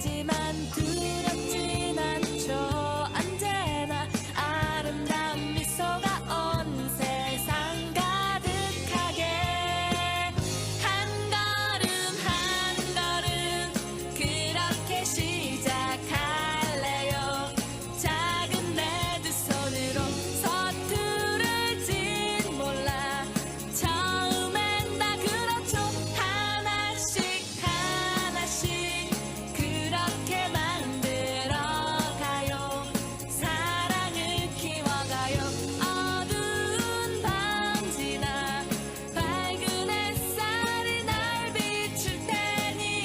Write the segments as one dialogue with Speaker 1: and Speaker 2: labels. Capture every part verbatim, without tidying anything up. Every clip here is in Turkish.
Speaker 1: 힘들지만 두렵진 않죠. 언제나 아름다운 미소가 온 세상 가득하게 한 걸음 한 걸음 그렇게 시작할래요. 작은 내 두 손으로 서투를진 몰라 처음엔 다 그렇죠. 하나씩 하나씩 그렇게 만들어가요. 사랑을 키워가요. 어두운 밤 지나 밝은 햇살이 날 비출 테니.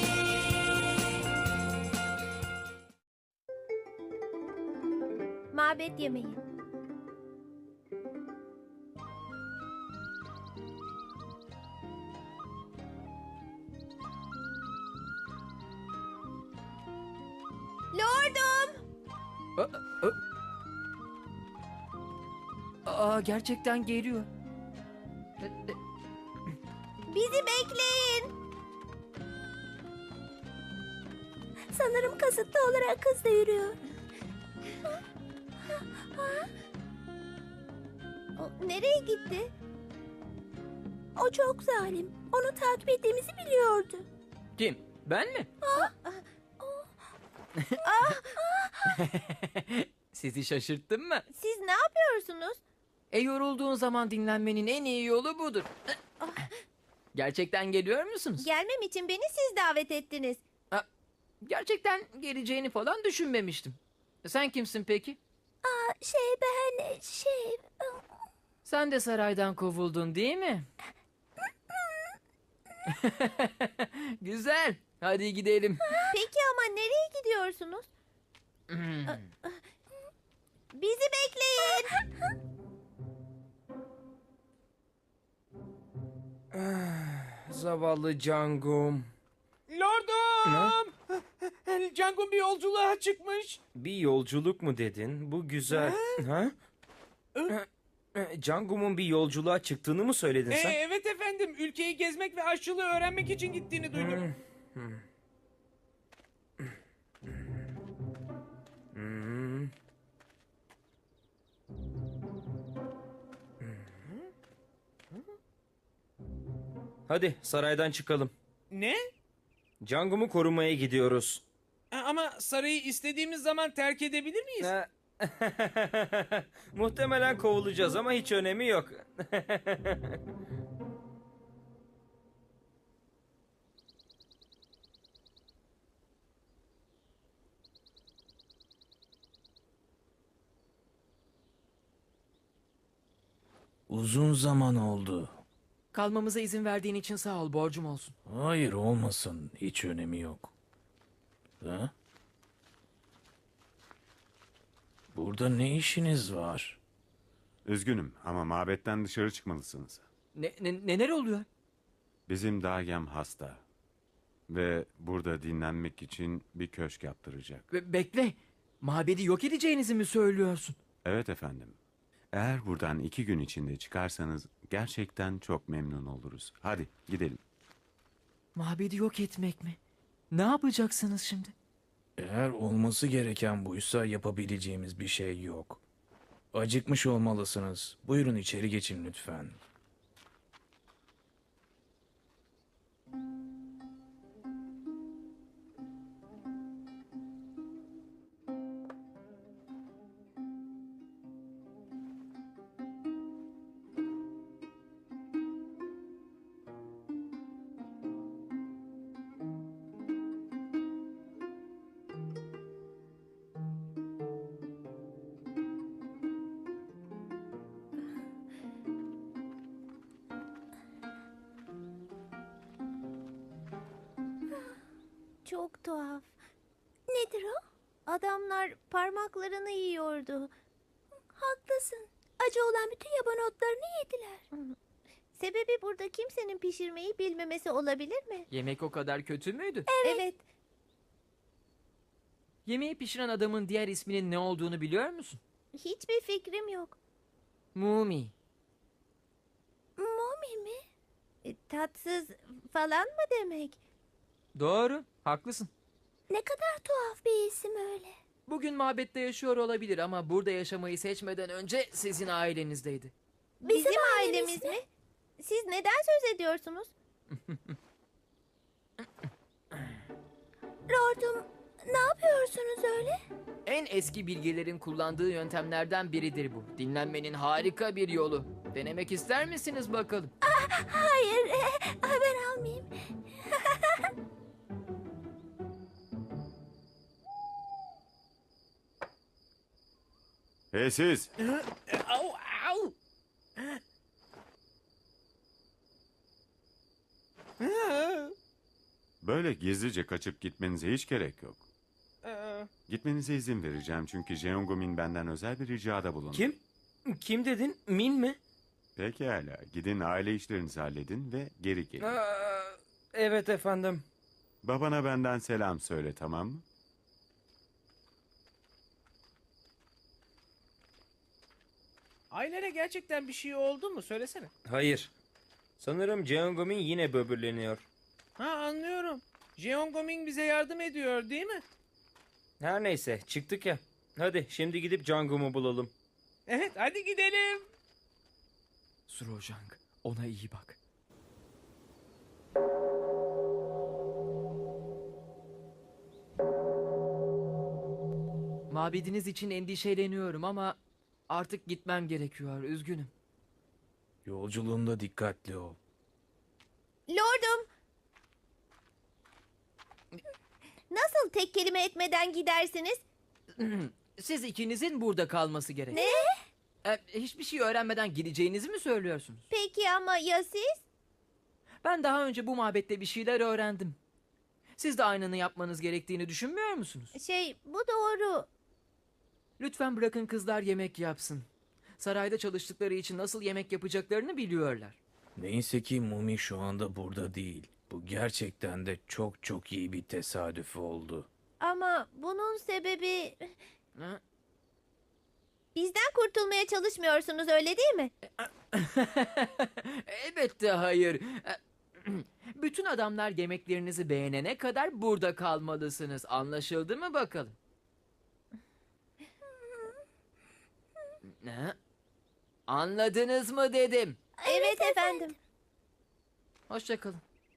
Speaker 2: Mabet yemeği. Lordum!
Speaker 3: Aa, gerçekten geliyor.
Speaker 2: Bizi bekleyin. Sanırım kasıtlı olarak hızla yürüyor. O nereye gitti? O çok zalim. Onu takip ettiğimizi biliyordu.
Speaker 3: Kim? Ben mi? Sizi şaşırttım mı?
Speaker 2: Siz ne yapıyorsunuz?
Speaker 3: E yorulduğun zaman dinlenmenin en iyi yolu budur. Gerçekten geliyor musunuz?
Speaker 2: Gelmem için beni siz davet ettiniz.
Speaker 3: Ha, gerçekten geleceğini falan düşünmemiştim. Sen kimsin peki?
Speaker 2: Aa, şey ben şey...
Speaker 3: Sen de saraydan kovuldun değil mi? Güzel. Hadi gidelim.
Speaker 2: Peki ama nereye gidiyorsunuz? Bizi bekleyin.
Speaker 3: Zavallı Cangum.
Speaker 4: Lordum! Cangum bir yolculuğa çıkmış.
Speaker 5: Bir yolculuk mu dedin? Bu güzel. Ha? Cangum'un bir yolculuğa çıktığını mı söyledin
Speaker 4: Ee,
Speaker 5: sen?
Speaker 4: evet efendim. Ülkeyi gezmek ve aşçılığı öğrenmek için gittiğini duydum.
Speaker 5: Hmm. Hadi saraydan çıkalım.
Speaker 4: Ne?
Speaker 5: Cangum'u korumaya gidiyoruz.
Speaker 4: Ha, Ama sarayı istediğimiz zaman terk edebilir miyiz?
Speaker 5: Ha. Muhtemelen kovulacağız ama hiç önemi yok.
Speaker 6: Uzun zaman oldu.
Speaker 3: Kalmamıza izin verdiğin için sağ ol, borcum olsun.
Speaker 6: Hayır olmasın. Hiç önemi yok. Ha? Burada ne işiniz var?
Speaker 7: Üzgünüm ama mabetten dışarı çıkmalısınız.
Speaker 3: Ne, ne, neler oluyor?
Speaker 7: Bizim dagem hasta. Ve burada dinlenmek için bir köşk yaptıracak.
Speaker 3: Be- bekle. Mabedi yok edeceğinizi mi söylüyorsun?
Speaker 7: Evet efendim. Eğer buradan iki gün içinde çıkarsanız gerçekten çok memnun oluruz. Hadi gidelim.
Speaker 3: Mabedi yok etmek mi? Ne yapacaksınız şimdi?
Speaker 6: Eğer olması gereken buysa yapabileceğimiz bir şey yok. Acıkmış olmalısınız. Buyurun içeri geçin lütfen.
Speaker 2: Çok tuhaf. Nedir o? Adamlar parmaklarını yiyordu. Haklısın. Acı olan bütün yaban otlarını yediler. Sebebi burada kimsenin pişirmeyi bilmemesi olabilir mi?
Speaker 3: Yemek o kadar kötü müydü?
Speaker 2: Evet.
Speaker 3: Yemeği pişiren adamın diğer isminin ne olduğunu biliyor musun?
Speaker 2: Hiçbir fikrim yok.
Speaker 3: Mumi.
Speaker 2: Mumi mi? E, tatsız falan mı demek?
Speaker 3: Doğru, haklısın.
Speaker 2: Ne kadar tuhaf bir isim öyle.
Speaker 3: Bugün mabette yaşıyor olabilir ama burada yaşamayı seçmeden önce sizin ailenizdeydi.
Speaker 2: Bizim, ailemiz mi? Siz neden söz ediyorsunuz? Lordum, ne yapıyorsunuz öyle?
Speaker 3: En eski bilgelerin kullandığı yöntemlerden biridir bu. Dinlenmenin harika bir yolu. Denemek ister misiniz bakalım?
Speaker 2: Hayır, ben almayayım.
Speaker 7: Hey siz!
Speaker 4: Au, au.
Speaker 7: Böyle gizlice kaçıp gitmenize hiç gerek yok.
Speaker 4: Ee,
Speaker 7: Gitmenize izin vereceğim çünkü Jeongumin benden özel bir ricada bulundu.
Speaker 5: Kim? Kim dedin? Min mi?
Speaker 7: Pekala. Gidin aile işlerinizi halledin ve geri gelin.
Speaker 5: Aa, evet efendim.
Speaker 7: Babana benden selam söyle, tamam mı?
Speaker 4: Ailene gerçekten bir şey oldu mu? Söylesene.
Speaker 5: Hayır. Sanırım Jeongumin yine böbürleniyor.
Speaker 4: Ha, anlıyorum. Jeongoming bize yardım ediyor değil mi?
Speaker 5: Her neyse çıktık ya. Hadi şimdi gidip Jangum'u bulalım.
Speaker 4: Evet, hadi gidelim.
Speaker 3: Surojang, ona iyi bak. Mabediniz için endişeleniyorum ama artık gitmem gerekiyor. Üzgünüm.
Speaker 6: Yolculuğunda dikkatli ol.
Speaker 2: Lordum. Nasıl tek kelime etmeden gidersiniz?
Speaker 3: Siz ikinizin burada kalması gerek.
Speaker 2: Ne?
Speaker 3: E, hiçbir şey öğrenmeden gideceğinizi mi söylüyorsunuz?
Speaker 2: Peki ama ya siz?
Speaker 3: Ben daha önce bu mabette bir şeyler öğrendim. Siz de aynını yapmanız gerektiğini düşünmüyor musunuz?
Speaker 2: Şey, bu doğru.
Speaker 3: Lütfen bırakın kızlar yemek yapsın. Sarayda çalıştıkları için nasıl yemek yapacaklarını biliyorlar.
Speaker 6: Neyse ki Mumi şu anda burada değil. Bu gerçekten de çok çok iyi bir tesadüf oldu.
Speaker 2: Ama bunun sebebi...
Speaker 3: Ha?
Speaker 2: Bizden kurtulmaya çalışmıyorsunuz, öyle değil mi?
Speaker 3: Elbette hayır. E, Bütün adamlar yemeklerinizi beğenene kadar burada kalmalısınız. Anlaşıldı mı bakalım? Ne? Anladınız mı dedim.
Speaker 2: Evet, efendim.
Speaker 3: Hoşça kalın.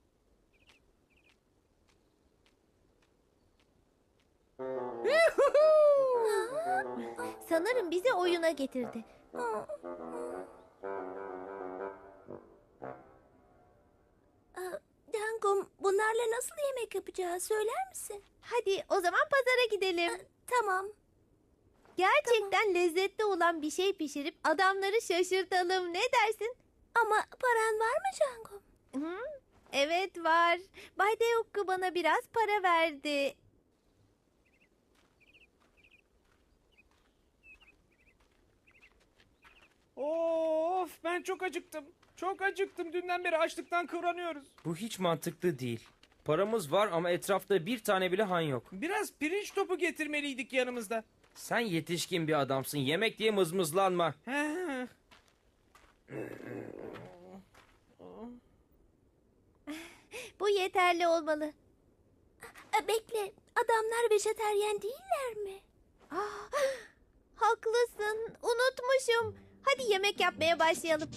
Speaker 2: Sanırım bizi oyuna getirdi. Dangum, bunlarla nasıl yemek yapacağız söyler misin? Hadi o zaman pazara gidelim. Tamam. Gerçekten lezzetli olan bir şey pişirip adamları şaşırtalım. Ne dersin? Ama paran var mı Cangum? Hı? Evet var. Bay Deokku bana biraz para verdi.
Speaker 4: Of, ben çok acıktım. Çok acıktım. Dünden beri açlıktan kıvranıyoruz.
Speaker 5: Bu hiç mantıklı değil. Paramız var ama etrafta bir tane bile han yok.
Speaker 4: Biraz pirinç topu getirmeliydik yanımızda.
Speaker 5: Sen yetişkin bir adamsın. Yemek diye mızmızlanma.
Speaker 4: He.
Speaker 2: Bu yeterli olmalı. Bekle, adamlar vejeteryen değiller mi? Ah, haklısın, unutmuşum. Hadi yemek yapmaya başlayalım.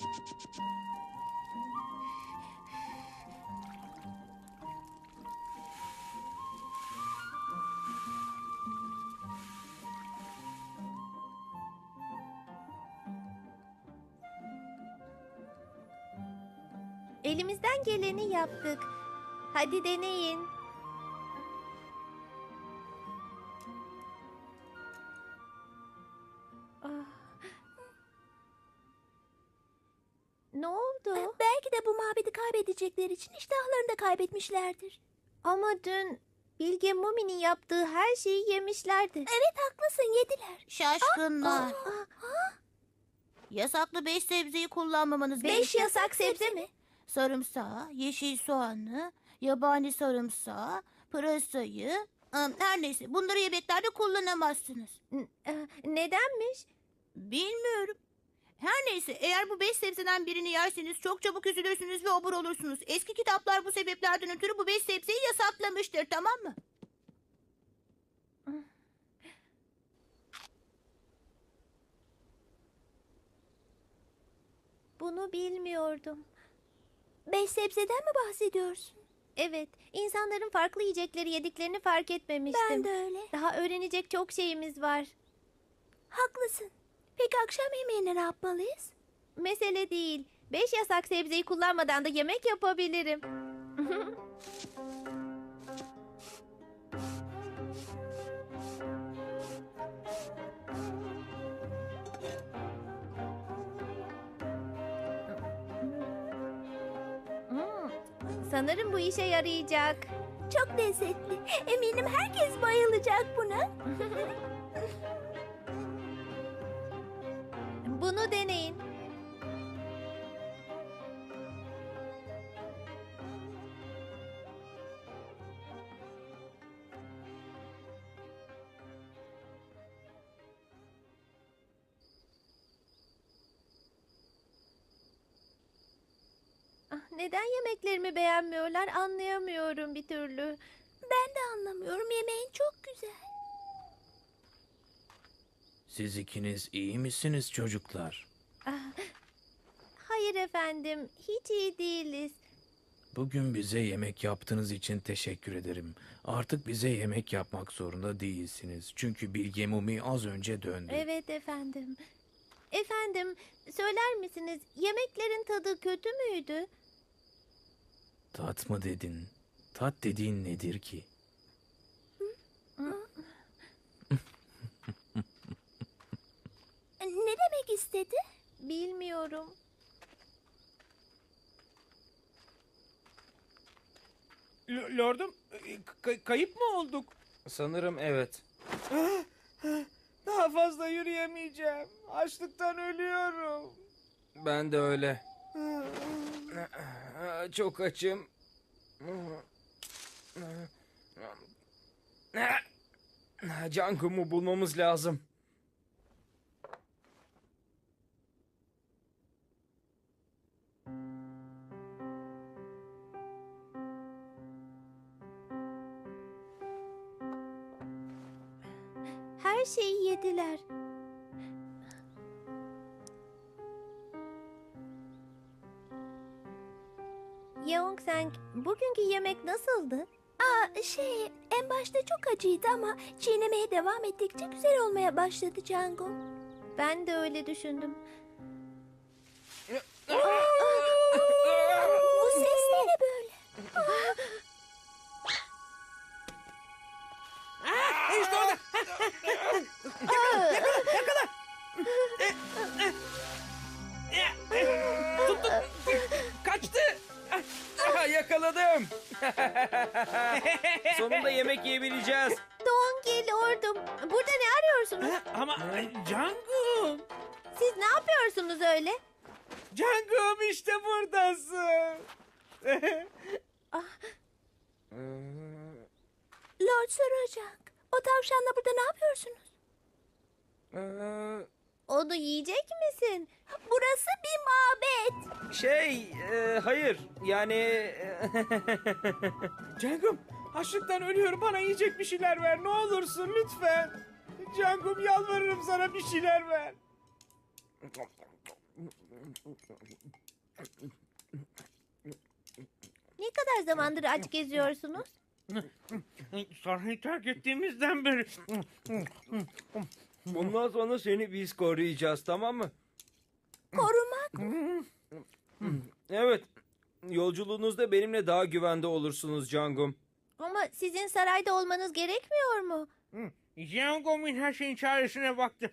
Speaker 2: Elimizden geleni yaptık. Hadi deneyin. Ah. Ne oldu? Belki de bu mabedi kaybedecekleri için iştahlarını da kaybetmişlerdir. Ama dün Bilge Mumi'nin yaptığı her şeyi yemişlerdi. Evet, haklısın, yediler.
Speaker 8: Şaşkınlar. Yasaklı beş sebzeyi kullanmamanız
Speaker 2: Beş
Speaker 8: gerekiyor.
Speaker 2: yasak sebze mi?
Speaker 8: Sarımsağı, yeşil soğanı, yabani sarımsağı, pırasayı... ım, Her neyse bunları yemeklerde kullanamazsınız.
Speaker 2: N- e, Nedenmiş?
Speaker 8: Bilmiyorum. Her neyse eğer bu beş sebzeden birini yerseniz çok çabuk üzülürsünüz ve obur olursunuz. Eski kitaplar bu sebeplerden ötürü bu beş sebzeyi yasaklamıştır, tamam mı?
Speaker 2: Bunu bilmiyordum. Beş sebzeden mi bahsediyorsun? Evet, insanların farklı yiyecekleri yediklerini fark etmemiştim. Ben de öyle. Daha öğrenecek çok şeyimiz var. Haklısın. Peki akşam yemeğine ne yapmalıyız? Mesele değil. Beş yasak sebzeyi kullanmadan da yemek yapabilirim. Hmm, sanırım bu işe yarayacak. Çok lezzetli. Eminim herkes bayılacak buna. Bunu deneyin. Ah, neden yemeklerimi beğenmiyorlar anlayamıyorum bir türlü. Ben de anlamıyorum. Yemeğin çok güzel.
Speaker 6: Siz ikiniz iyi misiniz çocuklar?
Speaker 2: Hayır efendim, hiç iyi değiliz.
Speaker 6: Bugün bize yemek yaptığınız için teşekkür ederim. Artık bize yemek yapmak zorunda değilsiniz. Çünkü Bilge Mumi az önce döndü.
Speaker 2: Evet efendim. Efendim, söyler misiniz yemeklerin tadı kötü müydü?
Speaker 6: Tat mı dedin? Tat dediğin nedir ki?
Speaker 2: Ne demek istedi? Bilmiyorum.
Speaker 4: L- Lordum, e, k- kayıp mı olduk?
Speaker 5: Sanırım evet.
Speaker 4: Daha fazla yürüyemeyeceğim. Açlıktan ölüyorum.
Speaker 5: Ben de öyle. Çok açım. Cangum'u bulmamız lazım.
Speaker 2: Her şeyi yediler. Yeongsang, bugünkü yemek nasıldı? Aa, şey, en başta çok acıydı ama çiğnemeye devam ettikçe güzel olmaya başladı Cango. Ben de öyle düşündüm. Bu ses de ne böyle?
Speaker 4: İşte orada. Tuttum. Kaçtı.
Speaker 5: Aha, yakaladım. Sonunda yemek yiyebileceğiz.
Speaker 2: Dongil Lordum, burada ne arıyorsunuz?
Speaker 4: Ama Cangum.
Speaker 2: Siz ne yapıyorsunuz öyle?
Speaker 4: Cangum işte buradasın.
Speaker 2: Lord soracak. O tavşanla burada ne yapıyorsunuz?
Speaker 5: Ee,
Speaker 2: Onu yiyecek misin? Burası bir mabet.
Speaker 5: Şey, e, hayır. Yani...
Speaker 4: Cangum, açlıktan ölüyorum. Bana yiyecek bir şeyler ver. Ne olursun lütfen. Cangum, yalvarırım sana, bir şeyler ver.
Speaker 2: Ne kadar zamandır aç geziyorsunuz?
Speaker 4: Sarayı terk ettiğimizden beri.
Speaker 5: Bundan sonra seni biz koruyacağız, tamam mı?
Speaker 2: Korumak.
Speaker 5: Evet. Yolculuğunuzda benimle daha güvende olursunuz Cangum.
Speaker 2: Ama sizin sarayda olmanız gerekmiyor mu?
Speaker 4: Cangum'un her şeyin çaresine baktı.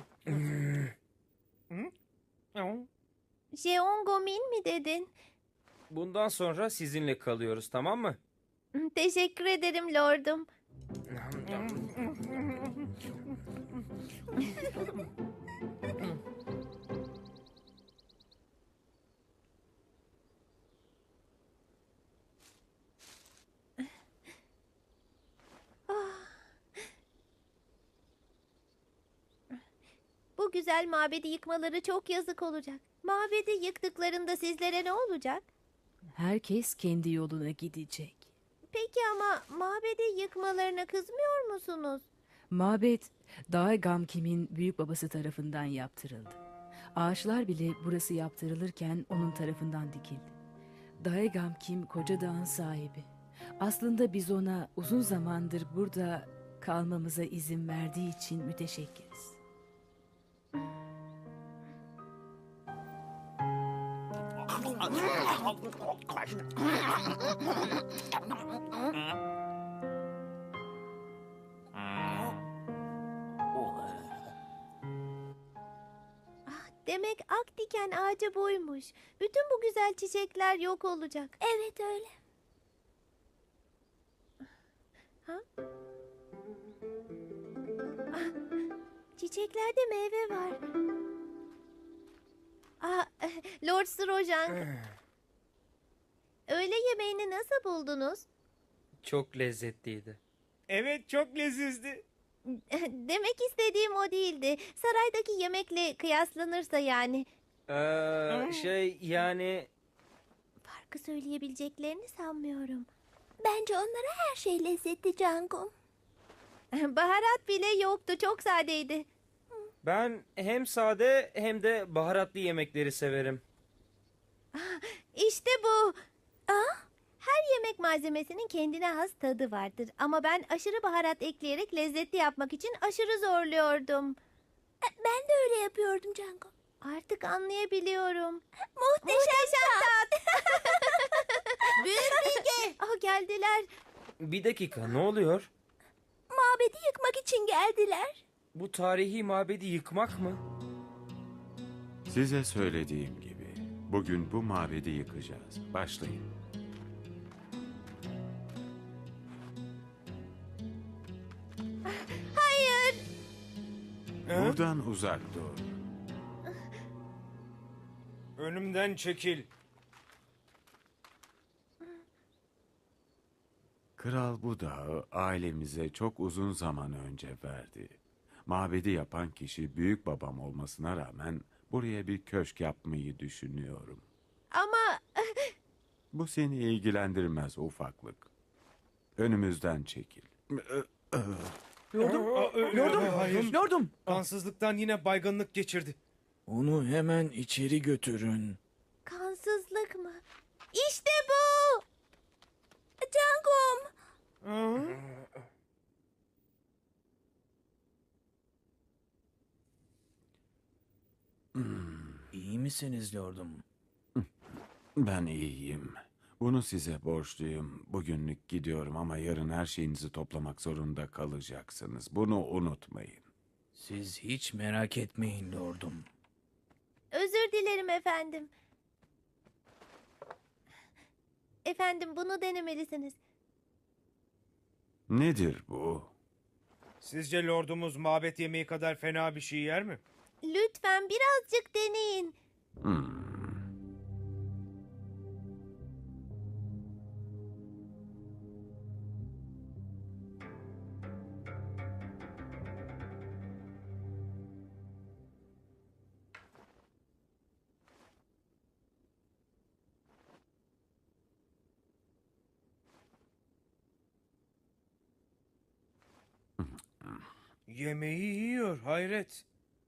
Speaker 2: Jeongomin mi dedin?
Speaker 5: Bundan sonra sizinle kalıyoruz, tamam mı?
Speaker 2: Teşekkür ederim lordum. Bu güzel mabedi yıkmaları çok yazık olacak. Mabedi yıktıklarında sizlere ne olacak?
Speaker 9: Herkes kendi yoluna gidecek.
Speaker 2: Peki ama mabedi yıkmalarına kızmıyor musunuz?
Speaker 9: Mabet, Dae Gamkim'in büyük babası tarafından yaptırıldı. Ağaçlar bile burası yaptırılırken onun tarafından dikildi. Daegam Kim koca dağın sahibi. Aslında biz ona uzun zamandır burada kalmamıza izin verdiği için müteşekkiriz.
Speaker 2: Demek ak diken ağacı buymuş. Bütün bu güzel çiçekler yok olacak. Evet öyle. Ha? Ah, çiçeklerde meyve var. Ah, Lord Strojan. Öğle yemeğini nasıl buldunuz?
Speaker 5: Çok lezzetliydi.
Speaker 4: Evet, çok lezizdi.
Speaker 2: Demek istediğim o değildi. Saraydaki yemekle kıyaslanırsa yani.
Speaker 5: Ee, şey yani
Speaker 2: Farkı söyleyebileceklerini sanmıyorum. Bence onlara her şey lezzetli Cangum. Baharat bile yoktu. Çok sadeydi.
Speaker 5: ben hem sade hem de baharatlı yemekleri severim.
Speaker 2: İşte bu. Aa, her yemek malzemesinin kendine has tadı vardır. Ama ben aşırı baharat ekleyerek lezzetli yapmak için aşırı zorluyordum. Ben de öyle yapıyordum Cangum. Artık anlayabiliyorum. Muhteşem, tat.
Speaker 8: Büyük bilge.
Speaker 2: Ah, geldiler.
Speaker 5: Bir dakika, ne oluyor?
Speaker 2: Mabedi yıkmak için geldiler.
Speaker 5: Bu tarihi mabedi yıkmak mı?
Speaker 7: Size söylediğim gibi bugün bu mabedi yıkacağız. Başlayın.
Speaker 2: Hayır.
Speaker 7: Buradan uzak dur.
Speaker 4: Önümden çekil.
Speaker 7: Kral bu dağı ailemize çok uzun zaman önce verdi. Mabedi yapan kişi büyük babam olmasına rağmen buraya bir köşk yapmayı düşünüyorum.
Speaker 2: Ama
Speaker 7: Bu seni ilgilendirmez ufaklık. Önümüzden çekil.
Speaker 4: Lordum,
Speaker 6: Lordum,
Speaker 4: hayır.
Speaker 6: Lordum.
Speaker 4: Kansızlıktan yine baygınlık geçirdi.
Speaker 6: Onu hemen içeri götürün.
Speaker 2: kansızlık mı? İşte bu. Cangum.
Speaker 4: Aa,
Speaker 6: İyi misiniz lordum?
Speaker 7: Ben iyiyim. Bunu size borçluyum. Bugünlük gidiyorum ama yarın her şeyinizi toplamak zorunda kalacaksınız. Bunu unutmayın.
Speaker 6: Siz hiç merak etmeyin lordum.
Speaker 2: Özür dilerim efendim. Efendim bunu denemelisiniz.
Speaker 7: Nedir bu?
Speaker 4: Sizce lordumuz mabet yemeği kadar fena bir şey yer mi?
Speaker 2: Lütfen birazcık deneyin.
Speaker 7: Hmm.
Speaker 4: Yemeği yiyor, hayret.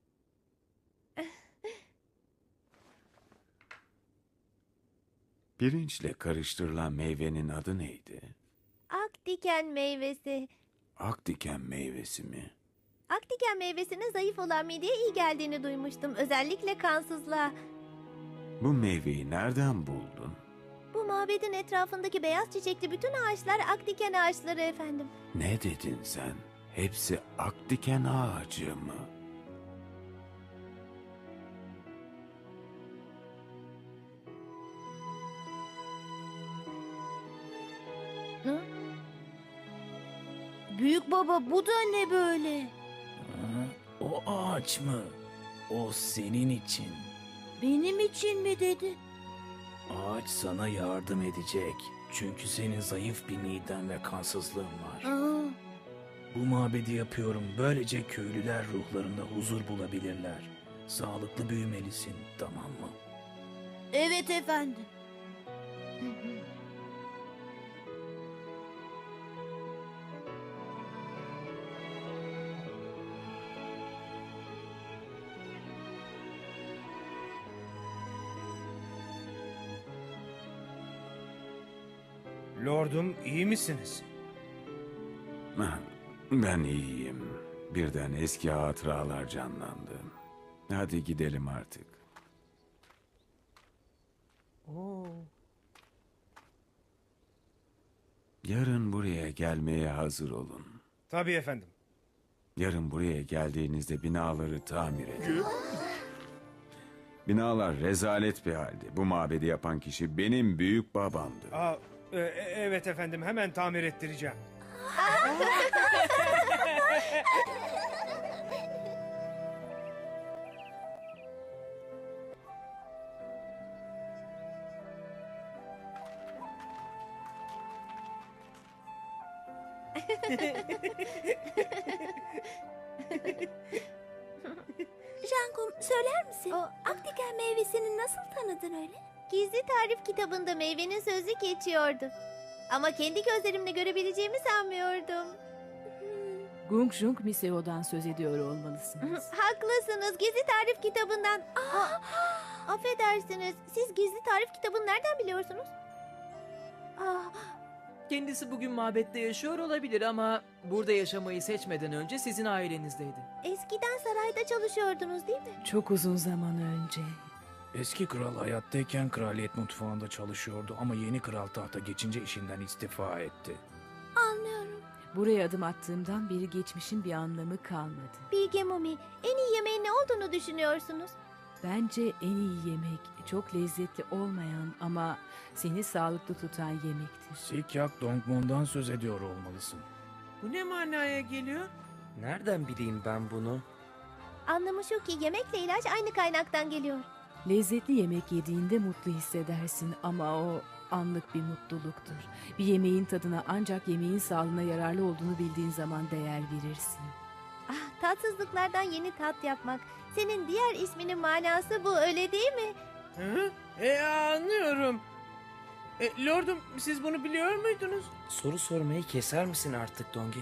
Speaker 7: Pirinçle karıştırılan meyvenin adı neydi?
Speaker 2: Ak diken meyvesi.
Speaker 7: Akdiken meyvesi mi?
Speaker 2: Ak diken meyvesinin zayıf olan mideye iyi geldiğini duymuştum. Özellikle kansızlığa.
Speaker 7: Bu meyveyi nereden buldun?
Speaker 2: Bu mabedin etrafındaki beyaz çiçekli bütün ağaçlar ak diken ağaçları efendim.
Speaker 7: Ne dedin sen? Hepsi akdiken ağacı mı?
Speaker 8: Büyük baba, bu da ne böyle?
Speaker 6: Ha, o ağaç mı? O senin için.
Speaker 8: Benim için mi dedi?
Speaker 6: Ağaç sana yardım edecek. Çünkü senin zayıf bir miden ve kansızlığın var.
Speaker 8: Aa,
Speaker 6: Bu mabedi yapıyorum. Böylece köylüler ruhlarında huzur bulabilirler. Sağlıklı büyümelisin, tamam mı?
Speaker 8: evet efendim.
Speaker 5: Lordum, iyi misiniz?
Speaker 7: Ben iyiyim. Birden eski hatıralar canlandı. Hadi gidelim artık. Yarın buraya gelmeye hazır olun.
Speaker 4: Tabii efendim.
Speaker 7: Yarın buraya geldiğinizde binaları tamir edin. Binalar rezalet bir halde. Bu mabedi yapan kişi benim büyük babamdı.
Speaker 4: Aa, e- e- evet efendim, hemen tamir ettireceğim.
Speaker 2: Jangum, söyler misin? Aktiken meyvesini nasıl tanıdın öyle? Gizli tarif kitabında meyvenin sözü geçiyordu. Ama kendi gözlerimle görebileceğimi sanmıyordum.
Speaker 9: Gung Jung Miseo'dan söz ediyor olmalısınız.
Speaker 2: Haklısınız, gizli tarif kitabından. Aa, affedersiniz, siz gizli tarif kitabını nereden biliyorsunuz? Aa,
Speaker 3: Kendisi bugün mabette yaşıyor olabilir ama burada yaşamayı seçmeden önce sizin ailenizdeydi.
Speaker 2: eskiden sarayda çalışıyordunuz değil mi?
Speaker 9: Çok uzun zaman önce.
Speaker 6: Eski kral hayattayken kraliyet mutfağında çalışıyordu ama yeni kral tahta geçince işinden istifa etti.
Speaker 2: Anlıyorum.
Speaker 9: Buraya adım attığımdan beri geçmişin bir anlamı kalmadı.
Speaker 2: Bilge Mumi, en iyi yemeğin ne olduğunu düşünüyorsunuz?
Speaker 9: Bence en iyi yemek çok lezzetli olmayan ama seni sağlıklı tutan yemektir.
Speaker 6: Sikyak Dongmon'dan söz ediyor olmalısın.
Speaker 4: Bu ne manaya geliyor?
Speaker 5: Nereden bileyim ben bunu?
Speaker 2: Anlamı şu ki yemekle ilaç aynı kaynaktan geliyor.
Speaker 9: Lezzetli yemek yediğinde mutlu hissedersin ama o anlık bir mutluluktur. Bir yemeğin tadına ancak yemeğin sağlığına yararlı olduğunu bildiğin zaman değer verirsin.
Speaker 2: Ah, tatsızlıklardan yeni tat yapmak. Senin diğer isminin manası bu, öyle değil mi?
Speaker 4: Hı? E anlıyorum. E, lordum, siz bunu biliyor muydunuz?
Speaker 5: Soru sormayı keser misin artık Dongi?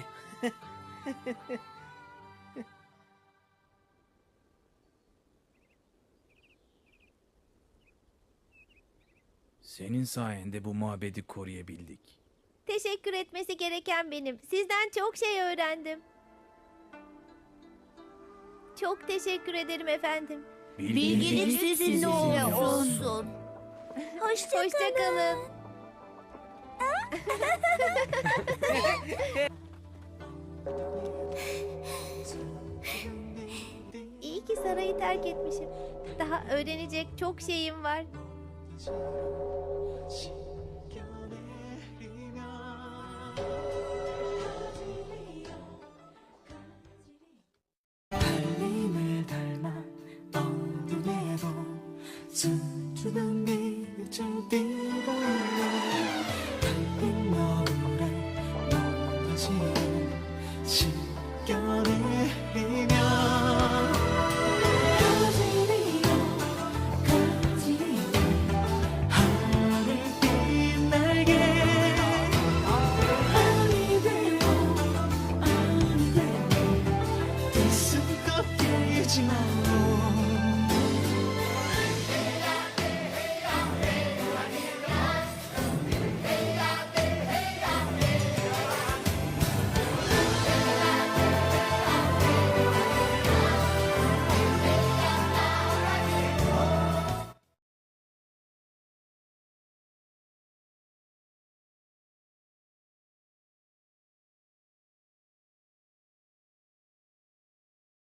Speaker 6: Senin sayende bu mabedi koruyabildik.
Speaker 2: Teşekkür etmesi gereken benim. Sizden çok şey öğrendim. Çok teşekkür ederim efendim.
Speaker 8: Bilgilik sizinle olsun.
Speaker 2: Hoşça, Hoşça kalın. İyi ki sarayı terk etmişim. Daha öğrenecek çok şeyim var.
Speaker 10: 달님을 닮아 어둠에도 수줍은 빛을 띠고 달빛 너울에 높아지는